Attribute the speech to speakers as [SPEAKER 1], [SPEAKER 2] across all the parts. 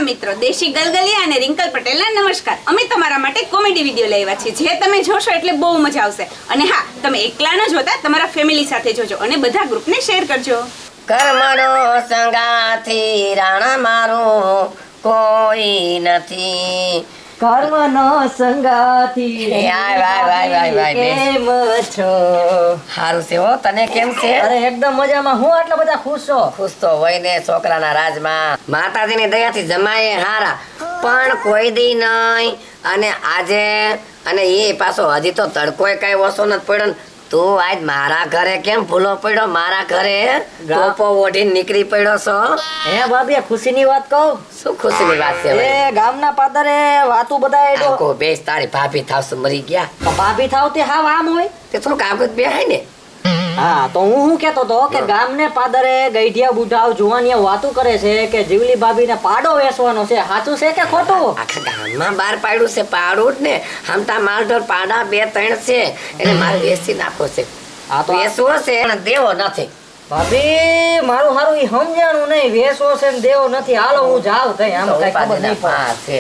[SPEAKER 1] મિત્રો, દેશી ગલગલિયા અને રિંકલ પટેલના નમસ્કાર. અમે તમારા માટે કોમેડી વિડીયો લઈ આવ્યા છીએ, જે તમે જોશો એટલે બહુ મજા આવશે. અને હા, તમે એકલા ન જોતા, તમારા ફેમિલી સાથે જોજો અને બધા ગ્રુપને શેર કરજો.
[SPEAKER 2] કર્મનો સંગાથી રાણા મારું કોઈ નથી.
[SPEAKER 3] કર્મનો સંગાથી
[SPEAKER 2] કેમ
[SPEAKER 3] છો?
[SPEAKER 2] હારું છે હો. તને કેમ છે?
[SPEAKER 3] અરે એકદમ મજામાં. હું આટલા બધા ખુશ છો?
[SPEAKER 2] ખુશ તો હોય ને છોકરાના રાજમાં. માતાજીની દયાથી જમાય હારા, પણ કોઈ દી નહીં. અને આજે અને એ પાછો હજી તો તડકોય કઈ ઓછો નથી પડ્યો ને. તું આજ મારા ઘરે કેમ ભૂલો પડ્યો? મારા ઘરે ટોપો ઓઢીને નીકળી પડ્યો છો.
[SPEAKER 3] હે ભાભી, ખુશીની વાત કહું?
[SPEAKER 2] શું ખુશીની વાત છે?
[SPEAKER 3] એ ગામના પાદરે વાતું બધા
[SPEAKER 2] આખો બેસ તારી ભાભી થાવશું મરી ગયા.
[SPEAKER 3] ભાભી થાવ તે હાવ આમ હોય
[SPEAKER 2] તે થોડુંક આગળ બેહાય ને.
[SPEAKER 3] હા, તો હું કેતો તો કે ગામને પાદરે ગઈઢિયા બુઢાઓ જુવાનિયા વાતું કરે છે કે જીવલી ભાભીને પાડો વેચવાનો છે. સાચું છે કે ખોટું?
[SPEAKER 2] આખા ગામમાં બહાર પાડ્યું છે પાડું જ ને. હમતા માલઢોર પાડા 2-3 છે, એટલે મારે વેચી નાખો છે.
[SPEAKER 3] આ તો
[SPEAKER 2] વેચવો છે પણ દેવો નથી.
[SPEAKER 3] ભાભી મારું હારું ઈ સમજાણું નહીં. વેચવો છે ને દેવો નથી. હાલો હું જાઉં થઈ. આમ કઈ ખબર નહીં પડે.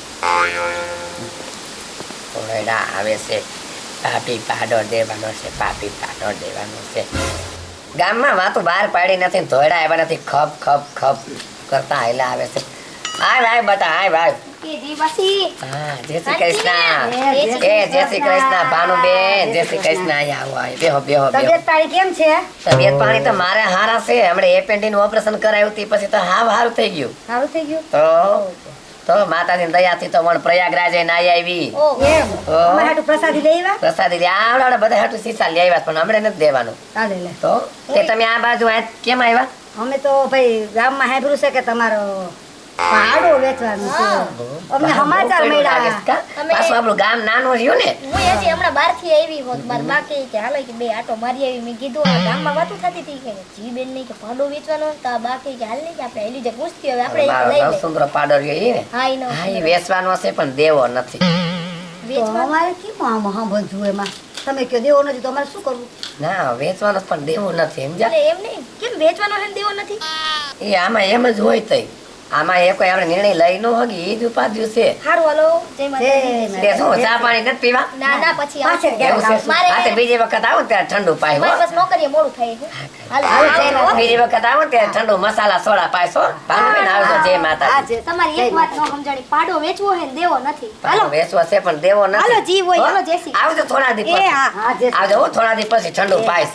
[SPEAKER 2] ઓરડા આવે છે. પાપી પાડો દેવાનો છે, પાપી પાડો દેવાનો છે. ગામમાં વાતો બહાર પાડી નથી, ધોયડા આવ્યા નથી, ખપ ખપ ખપ કરતા આયલા આવે છે. આય ભાઈ બતા, આય ભાઈ. હા, જય શ્રી કૃષ્ણ. જય શ્રી કૃષ્ણ ભાનુબેન. જય શ્રી કૃષ્ણ. આયા આવો, આય બેહો બેહો બેહો.
[SPEAKER 4] તબિયત તારી કેમ છે?
[SPEAKER 2] તબિયત પાણી તો મારે હારા છે. હમણે એપેન્ડિસ નું ઓપરેશન કરાવ્યું તી પછી તો હાવ હારું થઈ ગયું.
[SPEAKER 4] સારું થઈ ગયું?
[SPEAKER 2] તો માતાજીની દયાથી તો પણ પ્રયાગરાજ નાઈ આવી.
[SPEAKER 4] એમ અમારે હાટુ પ્રસાદી લઈ આવ્યા?
[SPEAKER 2] પ્રસાદી લે આવડા બધા હાટુ સીસા લઈ આવ્યા, પણ હમણે નથી દેવાનું.
[SPEAKER 4] ચાલે લે.
[SPEAKER 2] તો તે તમે આ બાજુ આ કેમ આવ્યા?
[SPEAKER 4] અમે તો ભાઈ ગામમાં સાંભળ્યું છે કે તમારો પાડો વેચવાનું છે. અમને સમાચાર મળ્યા.
[SPEAKER 2] પાછું આપણું ગામ નાનું રહ્યું ને.
[SPEAKER 5] હું હજી હમણાં બહારથી આવી હોત, મારા બા કહે કે હાલો કે બે આટો મારી આવી. મેં કીધું આ ગામમાં વાતું થતી હતી કે જી બેન નહીં કે પાડો વેચવાનો, તો આ બા કહે કે હાલ નહીં કે આપણે એલી જે પૂછતી હવે આપણે લઈ લઈએ.
[SPEAKER 2] સુંદર પાડો રહ્યો ઈ ને.
[SPEAKER 5] હા ઈનો
[SPEAKER 2] હા, ઈ વેચવાનો છે પણ દેવો નથી.
[SPEAKER 4] તો અમારે કેમ આમ સાંભળવું એમાં? તમે કયો દેવો નથી તો અમારે શું કરવું?
[SPEAKER 2] ના, વેચવાનો પણ દેવો નથી, સમજ્યા?
[SPEAKER 5] એટલે એમ નહીં કેમ વેચવાનો છે ને દેવો નથી?
[SPEAKER 2] એ આમાં એમ જ હોય તઈ. આમાં એ કોઈ આપણે નિર્ણય લઈ ન હગી ઈ જ ઉપાધ્યું છે.
[SPEAKER 5] હારું હાલો, જય માતાજી.
[SPEAKER 2] તે શું ચા પાણી નથી પીવા?
[SPEAKER 5] ના ના પછી
[SPEAKER 4] પાછળ
[SPEAKER 5] આવશે.
[SPEAKER 2] એવું છે?
[SPEAKER 5] મારે
[SPEAKER 2] હા, તે બીજી વખત આવો ને ત્યારે ઠંડુ પાય હો.
[SPEAKER 5] મારે બસ નોકરીએ મોડું થાય છે. હાલો
[SPEAKER 4] હાલો,
[SPEAKER 2] બીજી વખત આવો ને ત્યારે ઠંડુ મસાલા સોડા પાયસો. ભાનુબેન આવજો. જય માતાજી.
[SPEAKER 5] તમારી એક વાત નો સમજાણી, પાડો વેચવો છે ને દેવો નથી.
[SPEAKER 2] પાડો વેચવો છે પણ દેવો નથી.
[SPEAKER 5] હાલો જી હોય, હાલો જય શ્રી.
[SPEAKER 2] આવજો થોડા દી
[SPEAKER 5] એ
[SPEAKER 2] પછી.
[SPEAKER 5] હા
[SPEAKER 4] હા જે
[SPEAKER 2] આવજો હો, થોડા દી પછી ઠંડુ પાઈશ.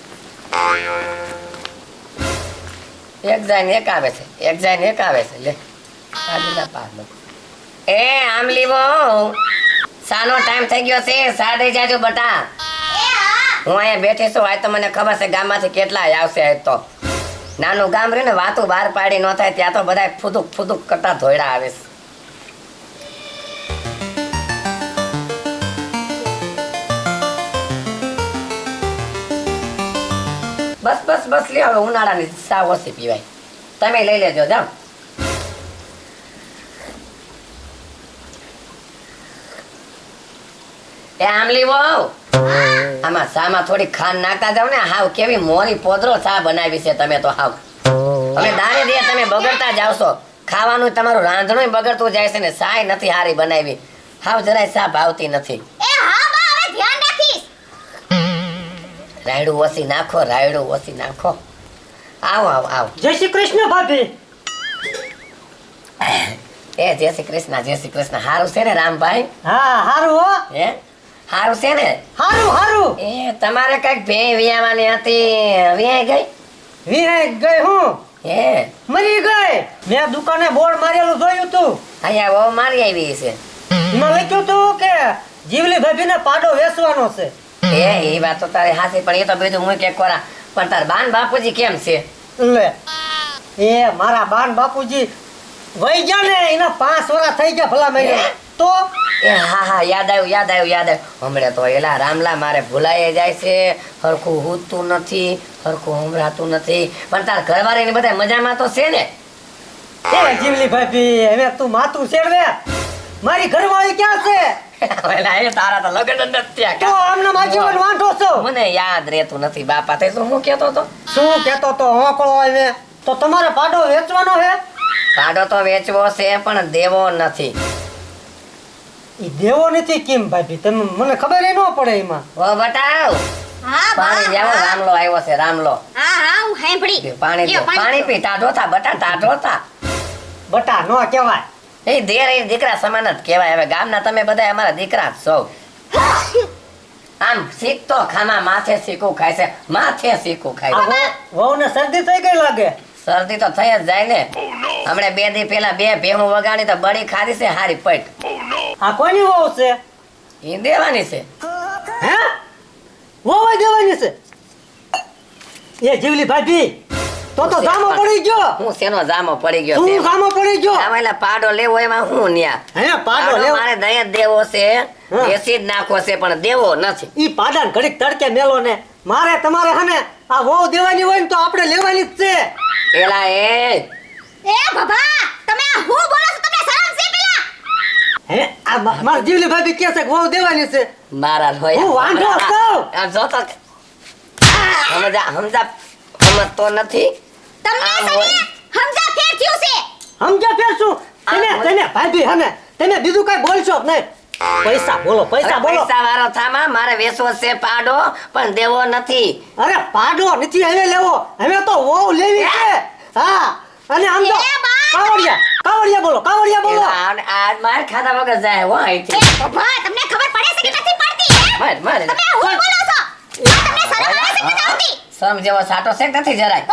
[SPEAKER 2] એક જાય ને એક આવે છે, એક જાય ને એક આવે છે. લે આજના પાડો. એ આમલી વો, સાનો ટાઈમ થઈ ગયો છે. સા દઈ જાજો બટા. હું અહીંયા બેઠી છું. આજ તો મને ખબર છે ગામમાંથી કેટલાય આવશે. આજ તો નાનું ગામ રહ્યું ને, વાતું બહાર પાડી ન થાય ત્યાં તો બધા ફૂદુક ફૂદુક કરતા ધોયડા આવે છે. બસ બસ બસ લ્યો, હવે ઉનાળાની સા ઓછી પીવાય. તમે લઈ લેજો જાઓ. એ આમલી વહુ, આમાં સામાં થોડી ખાંડ નાખતા જાવ ને. હાવ કેવી મોરી પોદરો ચા બનાવી છે તમે તો. હાવ હવે દાણે દે તમે બગડતા જાવ છો. ખાવાનું તમારું રાંધણું બગડતું જાય છે ને. સાય નથી હારી બનાવી. હાવ જરાય સા ભાવતી નથી.
[SPEAKER 5] એ હા બા, હવે ધ્યાન રાખીશ.
[SPEAKER 2] રાયડું ઓછી નાખો, રાયડું ઓછી નાખો. આવો આવો આવો.
[SPEAKER 3] જય શ્રી કૃષ્ણ ભાભી.
[SPEAKER 2] એ જય શ્રી કૃષ્ણ, જય શ્રી કૃષ્ણ. હારું છે ને રામભાઈ?
[SPEAKER 3] હા હારું હો.
[SPEAKER 2] હે હારું છે ને?
[SPEAKER 3] હારું હારું.
[SPEAKER 2] એ તમારે કઈક ભેં વિયાવાની હતી, વિયાઈ ગઈ?
[SPEAKER 3] વિહાઈ ગઈ હું?
[SPEAKER 2] હે
[SPEAKER 3] મરી ગઈ. મેં દુકાને બોર્ડ મારેલું જોયું તું.
[SPEAKER 2] અહીંયા બહુ મારી આવી છે.
[SPEAKER 3] એમાં લખ્યું તું કે જીવલી ભાભીને પાડો વેચવાનો છે.
[SPEAKER 2] એ વાત તો તારી હાસી, પણ એ તો બધું હું કે કોરા. પણ તાર બાન બાપુજી કેમ છે?
[SPEAKER 3] લે એ મારા બાન બાપુજી વહી ગયા ને. એના 5 વર્ષ થઈ ગયા ભલા મહિને. તો
[SPEAKER 2] એ હા હા, યાદ આવ્યું યાદ આવ્યું યાદ આવ્યું. હમણાં તો એલા રામલા મારે ભૂલાઈ જાય છે. હરખું હૂતું નથી, હરખું હમરાતું નથી. પણ તાર ઘરવાળી ને બધા મજામાં તો છે ને?
[SPEAKER 3] એ જીવલી ભાભી, હવે તું માથું શેરવે. મારી ઘરવાળી ક્યાં છે?
[SPEAKER 2] એલા એ તારા તો લગ્ન જ નથી થયા
[SPEAKER 3] તો
[SPEAKER 2] કાં?
[SPEAKER 3] આમને માજીવન વાંઢો છો.
[SPEAKER 2] મને યાદ રહેતું નથી બાપા. તે શું હું કહેતો હતો?
[SPEAKER 3] શું કહેતો તો હોકળો આવે તો તમારે પાડો વેચવાનો છે?
[SPEAKER 2] પાડો તો વેચવો છે પણ દેવો નથી.
[SPEAKER 6] ઈ દેવો નથી કેમ ભાભી? તમે મને ખબર ન પડે એમાં.
[SPEAKER 2] ઓ બટાવ
[SPEAKER 5] હા
[SPEAKER 2] પાણી લેવો. રામલો આવ્યો છે રામલો.
[SPEAKER 5] હા હું સાંભળી
[SPEAKER 2] પાણી દે. પાણી પી. ટાઢો થા બટા, ટાઢો થા.
[SPEAKER 6] બટા નો કહેવાય.
[SPEAKER 2] એ દેર એ દીકરા સમાન જ કહેવાય. હવે ગામના તમે બધા અમારા દીકરા જ છો. આમ શીખતો ખાના માથે શીખું ખાય છે, માથે શીખું ખાય છે.
[SPEAKER 6] વહુને શરદી થઈ ગઈ લાગે.
[SPEAKER 2] શરદી તો થઈ જ જાય ને. હમણે 2 દી પહેલા 2 ભેહું વગાડી તો બળી ખાધી છે હારી પટ.
[SPEAKER 6] આ કોની વહુ છે?
[SPEAKER 2] એ દેવાની છે.
[SPEAKER 6] હે? વહુ દેવાની છે? એ જીવલી ભાભી તો જામો પડી ગયો.
[SPEAKER 2] હું શેનો જામો પડી ગયો
[SPEAKER 6] તું
[SPEAKER 2] છે?
[SPEAKER 6] જામો પડી ગયો.
[SPEAKER 2] આમાં એલા પાડો લેવો એમાં હું ન્યા.
[SPEAKER 6] હે પાડો
[SPEAKER 2] પાડો
[SPEAKER 6] લેવો.
[SPEAKER 2] મારે દયા દેવો છે,
[SPEAKER 6] હા.
[SPEAKER 2] એસી જ નાખવો છે પણ દેવો નથી.
[SPEAKER 6] ઈ પાડાને ઘડીક તડકે મેલો ને. મારે તમારે હને આ વહુ દેવાની હોય ને તો આપણે લેવાની જ છે.
[SPEAKER 2] એલા એ
[SPEAKER 5] બાબા તમે આ હું બોલો છો? તમને શરમ છે પેલા?
[SPEAKER 6] હે આ માર જીવલી ભાભી કહે છે કે વહુ દેવાની છે.
[SPEAKER 2] મારા લોયા.
[SPEAKER 6] હું વાંઢો છું.
[SPEAKER 2] આ જો તો સમજતો નથી.
[SPEAKER 5] તમને
[SPEAKER 2] આમ
[SPEAKER 5] સને
[SPEAKER 2] હોય.
[SPEAKER 5] સમજા ફેર થયું છે.
[SPEAKER 6] સમજ્યા ફેર શું? તમે ભાભી હને તમે બીજું કઈ બોલશો જ નહીં. પૈસા બોલો, પૈસા બોલો.
[SPEAKER 2] પૈસા વાળો થામા મારે વેચવો છે પાડો પણ દેવો નથી.
[SPEAKER 6] અરે પાડો નથી હવે લેવો. હવે તો વહુ લેવી છે. હા અને આમ તો
[SPEAKER 5] એ બા!
[SPEAKER 6] કાવડિયા બોલો, કાવડિયા બોલો.
[SPEAKER 2] એલા, આ માર ખાધા વગર જાય હો અહીંથી.
[SPEAKER 5] બાબા તમને ખબર પડે છે કે નથી પડતી હે?
[SPEAKER 2] માર માર
[SPEAKER 5] તમે આ હું બોલો છો? આ તમને શરમ આવે છે કે નથી આવતી?
[SPEAKER 2] સમ જેવો સાટો છે કે નથી જરાય.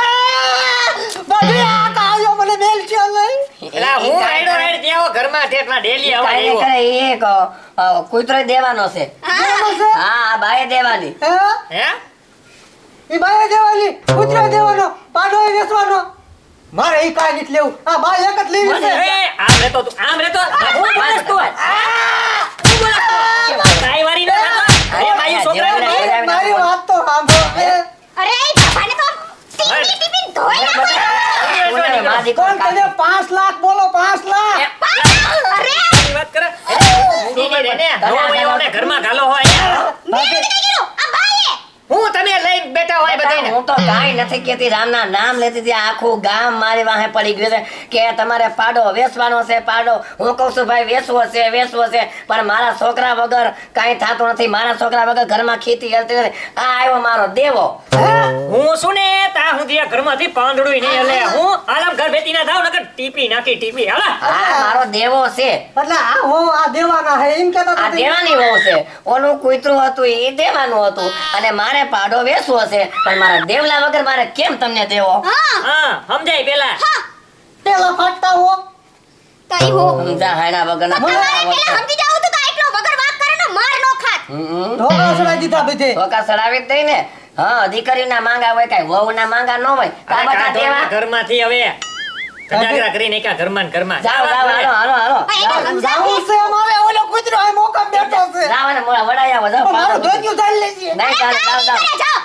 [SPEAKER 6] ભાભી આ કાવ્યો મને મેલ છે નહીં.
[SPEAKER 3] એલા હું રાઈડો રાઈડ દેવો ઘરમાં ઠેઠમાં ડેલી આવા
[SPEAKER 2] કાંઈ
[SPEAKER 3] આવ્યો.
[SPEAKER 2] કરે ઈ એક કૂતરો દેવાનો છે.
[SPEAKER 6] દેવાનો છે?
[SPEAKER 2] હા આ બાએ દેવાની.
[SPEAKER 6] હે?
[SPEAKER 3] હે
[SPEAKER 6] ઈ બાએ દેવાની, કૂતરો દેવાનો, પાડો એ વેચવાનો. મારે ઈ કાંઈ નથી લેવું. આ બા એક જ લેવી છે.
[SPEAKER 3] એ આમ રહેતો તું આમ રહેતો હું બોલસ તું હું બોલસ તું કાઈ વારી ન થતો એ માયું છોકરા
[SPEAKER 6] મારી વાત તો સાંભળો.
[SPEAKER 5] અરે એ બાબાને તો ટીપી ટીપી ધોઈ નાખો.
[SPEAKER 2] ઓને માં દીકરો
[SPEAKER 6] કોણ તમે 5 લાખ બોલો, 5 લાખ.
[SPEAKER 5] અરે
[SPEAKER 3] ની વાત કરે મૂકી દે ને નોને ઘરમાં ગાલો હોય
[SPEAKER 5] મેં નથી કીધું આ બાએ.
[SPEAKER 3] હું તમે લઈને બેઠા હોય બધાને
[SPEAKER 2] હું તો કાંઈ નથી કહેતી. રામના નામ લેતી હતી. આખું ગામ મારી વાહે પડી ગયું છે કે તમારે પાડો વેચવાનો છે. પાડો હું કહું છું ભાઈ વેચવો છે, વેચવો છે પણ મારા છોકરા વગર કાંઈ થતું નથી. મારા છોકરા વગર ઘરમાં ખેતી હલતી નથી. આ આવ્યો મારો દેવો.
[SPEAKER 3] હું શું ને તા હું દિયા ઘરમાંથી પાંદડું નહીં હલે હું આલમ ઘર બેતી ના થાવ નકર ટીપી નાખી ટીપી હાલા
[SPEAKER 2] આ મારો દેવો છે.
[SPEAKER 6] એટલે આ હો આ દેવાના હે એમ કહેતા
[SPEAKER 2] આ
[SPEAKER 6] હતા.
[SPEAKER 2] દેવાની વહુ છે. ઓનું કૂતરું હતું એ દેવાનું હતું અને મારે પાડો વેચવો છે પણ મારા દેવલા વગર મારે કેમ તમને દેવો?
[SPEAKER 3] હા સમજાય પેલા
[SPEAKER 6] પેલા ફાટતા હો.
[SPEAKER 5] કઈ હો
[SPEAKER 2] સમજા હાયના વગરના
[SPEAKER 5] તમારે પેલા સમજી જાવ તો એટલો વગર વાત કરે ને માર નો ખાત.
[SPEAKER 6] ઢોકળા સડાઈ દીધા બધે.
[SPEAKER 2] ધોકા સડાવી જ દઈ ને. હા દીકરીના માંગા હોય કાંઈ વહુના માંગા ન હોય. આ બધા દેવા.
[SPEAKER 3] ઘરમાંથી હવે કજાગરા કરીને એકા ઘરમાં ને ઘરમાં
[SPEAKER 2] જાઓ જાઓ હાલો હાલો હાલો
[SPEAKER 5] આ એને
[SPEAKER 2] જાઓ.
[SPEAKER 6] જાવું છે અમારે. ઓલો કૂતરો આ મોકા બેઠો છે.
[SPEAKER 2] જાઓ અને મોળા વડાઈ આવો જાઓ.
[SPEAKER 6] મારું ધોતિયું ચાલી લેજે.
[SPEAKER 2] નહીં ચાલે જાઓ જાઓ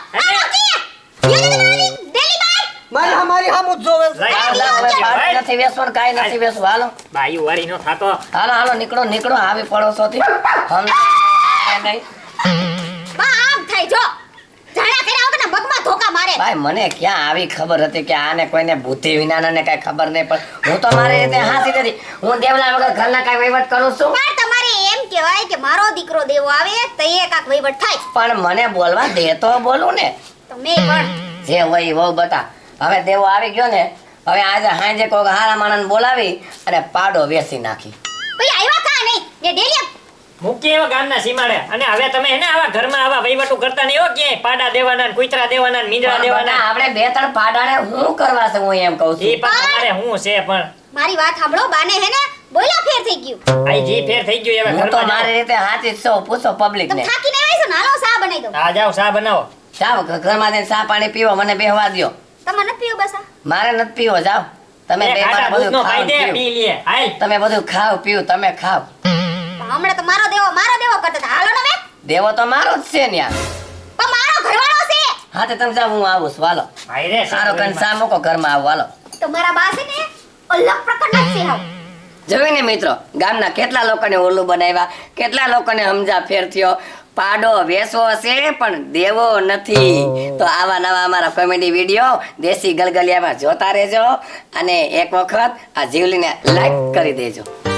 [SPEAKER 6] મારી હામું જ જોવે છે.
[SPEAKER 2] જાઓ, જાઓ. હવે પાડો નથી વેચવાનું કાંઈ નથી વેચવું. હાલો
[SPEAKER 3] બાયું વારી નો થાતો
[SPEAKER 2] હાલો હાલો નીકળો નીકળો આવી પડોશોથી. નહીં
[SPEAKER 5] બા આમ થાય જો જાણા કર્યા વગર મગમાં ધોકા મારે.
[SPEAKER 2] ભાઈ મને ક્યાં આવી ખબર હતી કે આને કોઈને બુદ્ધિ વિનાને કઈ ખબર નહીં પણ હું તો મારી રીતે હાસી નથી. હું દેવલા વગર ઘરના કઈ વહીવટ કરું છું
[SPEAKER 5] પણ તમારે એમ કહેવાય કે મારો દીકરો દેવો આવે તો એ કાક વહીવટ થાય.
[SPEAKER 2] પણ મને બોલવા દે તો બોલું ને.
[SPEAKER 5] તમે પણ
[SPEAKER 2] જે હોય વહુ બતા. હવે દેવો આવી ગયો ને હવે આજે હાંજે કોઈક હારા માણસને બોલાવી અને પાડો વેચી નાખી.
[SPEAKER 5] ભાઈ આવ્યા કા નહીં ને ડેલી
[SPEAKER 3] મૂકી એવા ગામના સીમાડે અને હવે તમે હે ને આવા ઘરમાં આવા વહીવટો કરતા નહીં હો ક્યાંય પાડા દેવાના ને કૂતરા દેવાના ને મીંદડા
[SPEAKER 2] પણ
[SPEAKER 3] દેવાના
[SPEAKER 2] બટા, આપણે 2-3 પાડાને હું કરવા છે હું એમ કહું
[SPEAKER 3] ઈ
[SPEAKER 2] છું.
[SPEAKER 3] પણ તમારે હું છે પણ
[SPEAKER 5] મારી વાત સાંભળો બાને હે ને બોલ્યા ફેર થઈ ગયું.
[SPEAKER 3] આઈ જી ફેર થઈ ગયું હવે
[SPEAKER 2] હું તો
[SPEAKER 3] ઘરમાં
[SPEAKER 2] મારી રીતે હાચી જ છું. પૂછો પબ્લિક
[SPEAKER 5] તમે
[SPEAKER 2] ને.
[SPEAKER 5] થાકીને આવ્યા છો ને હાલો સા બનાવી દઉં.
[SPEAKER 3] આ જાઓ ચા બનાવો
[SPEAKER 2] જાઓ ઘરમાં જઈને ચા પાણી પીવો મને બેહવા દ્યો.
[SPEAKER 5] તમારે નથી પીવું બસ આ?
[SPEAKER 2] મારે નથી પીવો જાઓ. તમે
[SPEAKER 3] એ
[SPEAKER 2] બે
[SPEAKER 3] ખાટા
[SPEAKER 2] માણસ
[SPEAKER 3] દૂધનો
[SPEAKER 2] બધું ખાઓ
[SPEAKER 3] ખાઈ દે
[SPEAKER 2] પીઓ.
[SPEAKER 3] પી લે હાલ
[SPEAKER 2] તમે બધું ખાવ પીવું તમે ખાવ.
[SPEAKER 5] પણ હમણાં તો મારો દેવો કરતા હતા. હાલો ને હવે
[SPEAKER 2] દેવો તો મારો જ છે ને યાર.
[SPEAKER 5] પણ મારો ઘરવાળો છે.
[SPEAKER 2] હા તો તમે જાઓ હું આવું છું હાલો.
[SPEAKER 3] ભાઈ રે
[SPEAKER 2] સારો કઈ સા મૂકો ઘરમાં આવું હાલો.
[SPEAKER 5] તો મારા બા છે ને અલગ પ્રકારના છે હાવ.
[SPEAKER 2] જોઈને મિત્રો ગામના કેટલા લોકોને ઓલું બનાવ્યા કેટલા લોકોને સમજા ફેર થયો પાડો વેચવો છે પણ દેવો નથી. તો આવા નવા અમારા કોમેડી વિડીયો દેશી ગલગલિયામાં જોતા રહેજો અને એક વખત આ જીવલીને લાઈક કરી દેજો.